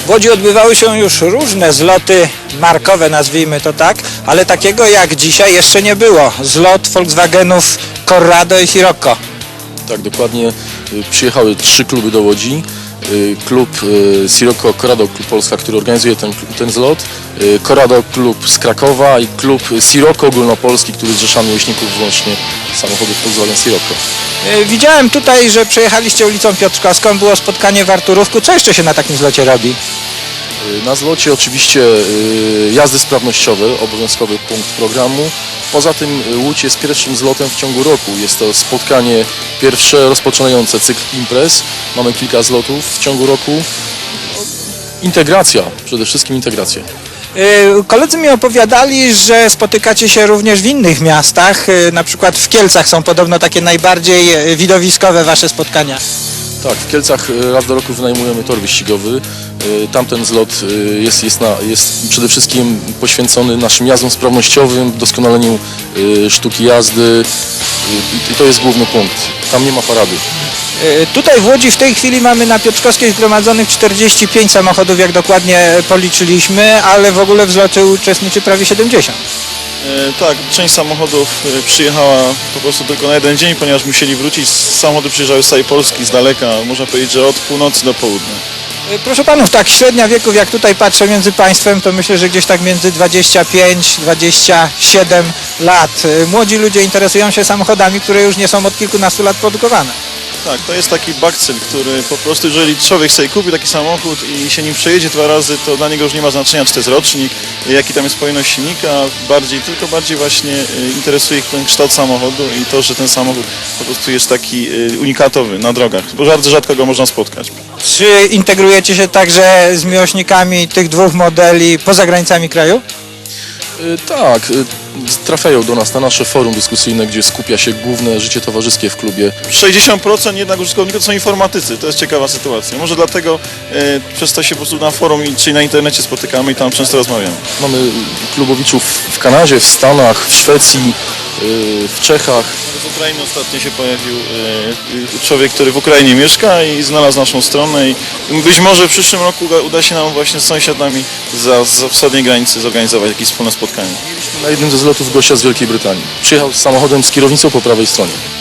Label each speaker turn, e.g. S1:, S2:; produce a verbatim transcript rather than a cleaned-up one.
S1: W Łodzi odbywały się już różne zloty markowe, nazwijmy to tak, ale takiego jak dzisiaj jeszcze nie było. Zlot Volkswagenów Corrado i Sirocco.
S2: Tak, dokładnie. Y, Przyjechały trzy kluby do Łodzi. Y, Klub y, Sirocco Corrado Klub Polska, który organizuje ten, ten zlot. Y, Corrado Klub z Krakowa i klub Sirocco Ogólnopolski, który zrzesza miłośników wyłącznie samochodów Volkswagen Sirocco.
S1: E, Widziałem tutaj, że przejechaliście ulicą Piotrkowską, było spotkanie w Arturówku. Co jeszcze się na takim zlocie robi?
S2: Y, Na zlocie oczywiście y, jazdy sprawnościowe, obowiązkowy punkt programu. Poza tym y, Łódź jest pierwszym zlotem w ciągu roku. Jest to spotkanie pierwsze rozpoczynające cykl imprez. Mamy kilka zlotów w ciągu roku. No, Integracja, przede wszystkim integracja.
S1: E, Koledzy mi opowiadali, że spotykacie się również w innych miastach, e, na przykład w Kielcach są podobno takie najbardziej e, widowiskowe wasze spotkania.
S2: Tak, w Kielcach y, raz do roku wynajmujemy tor wyścigowy. Y, Tamten zlot y, jest, jest, na, jest przede wszystkim poświęcony naszym jazdom sprawnościowym, doskonaleniu y, sztuki jazdy y, i to jest główny punkt. Tam nie ma parady.
S1: E, Tutaj w Łodzi w tej chwili mamy na Piotrkowskiej zgromadzonych czterdzieści pięć samochodów, jak dokładnie policzyliśmy, ale w ogóle w zlocie uczestniczy prawie siedemdziesiąt.
S3: E, Tak, część samochodów e, przyjechała po prostu tylko na jeden dzień, ponieważ musieli wrócić. Samochody przyjeżdżały z całej Polski, z daleka, można powiedzieć, że od północy do południa.
S1: E, Proszę panów, tak średnia wieków, jak tutaj patrzę między państwem, to myślę, że gdzieś tak między dwadzieścia pięć dwadzieścia siedem lat. E, Młodzi ludzie interesują się samochodami, które już nie są od kilkunastu lat produkowane.
S3: Tak, to jest taki bakcyl, który po prostu, jeżeli człowiek sobie kupi taki samochód i się nim przejedzie dwa razy, to dla niego już nie ma znaczenia, czy to jest rocznik, jaki tam jest pojemność silnika, bardziej, tylko bardziej właśnie e, interesuje ich ten kształt samochodu i to, że ten samochód po prostu jest taki e, unikatowy na drogach, bo bardzo rzadko go można spotkać.
S1: Czy integrujecie się także z miłośnikami tych dwóch modeli poza granicami kraju?
S2: Y, Tak, y, trafiają do nas na nasze forum dyskusyjne, gdzie skupia się główne życie towarzyskie w klubie.
S3: sześćdziesiąt procent jednak użytkowników to są informatycy, to jest ciekawa sytuacja. Może dlatego e, przez to się po prostu na forum i- czy na internecie spotykamy i tam często rozmawiamy.
S2: Mamy klubowiczów w Kanadzie, w Stanach, w Szwecji, y, w Czechach.
S3: Z Ukrainy ostatnio się pojawił e, e, człowiek, który w Ukrainie mieszka i znalazł naszą stronę i być może w przyszłym roku uda, uda się nam właśnie z sąsiadami za, za wschodniej granicy zorganizować jakieś wspólne spotkanie.
S2: Na jednym ze zlotów gościa z Wielkiej Brytanii. Przyjechał z samochodem z kierownicą po prawej stronie.